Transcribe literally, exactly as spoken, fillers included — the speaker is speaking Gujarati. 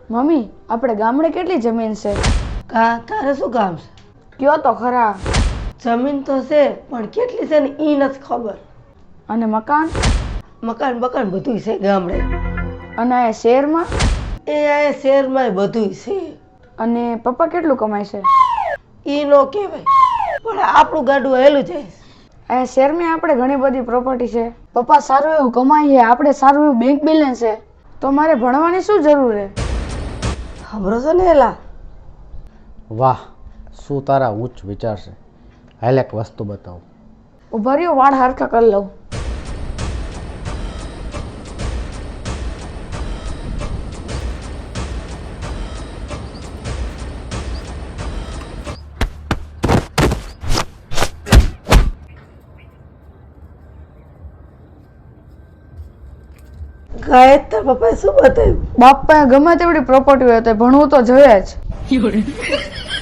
મમ્મી, આપણે ગામડે કેટલી જમીન છે? કા તારે શું કામ છે? કયો તો ખરા. જમીન તો છે પણ કેટલી છે ને એ નથી ખબર. અને મકાન? મકાન બકાન બધું છે ગામડે. અને આ શહેરમાં? એ આ શહેરમાં બધું છે. અને પપ્પા કેટલું કમાય છે? એ નો કહેવાય, પણ આપણું ગાડું હેલું જાય. આ શહેરમાં આપણે ઘણી બધી પ્રોપર્ટી છે. પપ્પા સારું એવું કમાય છે, આપણે સારું એવું બેંક બેલેન્સ છે, તો મારે ભણવાની શું જરૂર છે? ખબર છે ને એલા? વાહ, શું તારા ઉચ્ચ વિચાર છે. હાલ એક વસ્તુ બતાવું. ઉભા રહ્યો, વાળ હરખા કરી લઉં. ગાય તાર પપ્પાએ શું બતાવ્યું? બાપા ગમે તેવડી પ્રોપર્ટી હોય તો ભણવું તો જોઈએ જ.